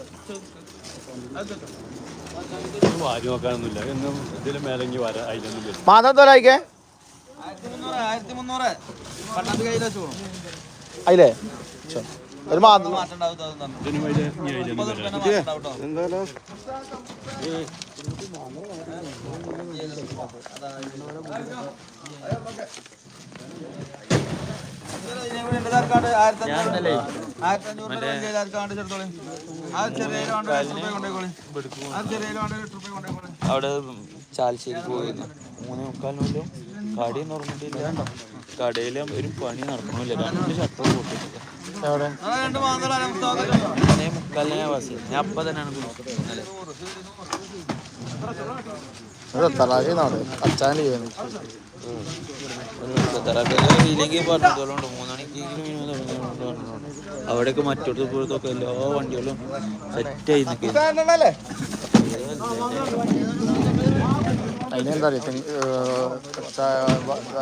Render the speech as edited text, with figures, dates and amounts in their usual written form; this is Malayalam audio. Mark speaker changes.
Speaker 1: വാരി നോക്കാനൊന്നുമില്ല എന്നും ഇതിൽ മേലെങ്കിൽ വരാം അതിലൊന്നും വരും.
Speaker 2: മാതാ തോലായിക്കേ അതിലേ ഒരു മാസം
Speaker 3: അവിടെ ചാലശ്ശേരി പോയിരുന്നു 3:45 കടയൊന്നും ഉറങ്ങിട്ടില്ല. കടയിൽ ഒരു പണി നടക്കണില്ല. 2 ഷട്ടർ പൊട്ടിട്ടില്ല. 3:45 ബസ്. ഞാൻ അപ്പം തന്നെയാണ്
Speaker 2: അച്ചാൻ്റെ
Speaker 3: ഇല്ലെങ്കിൽ പറഞ്ഞോളുണ്ട് 3 മണിക്കെങ്കിലും അവിടെയൊക്കെ മറ്റോടത്ത് പോലത്തൊക്കെ എല്ലാ വണ്ടികളും സെറ്റായി നിൽക്കുക.
Speaker 2: അതിനെന്താ അറിയാം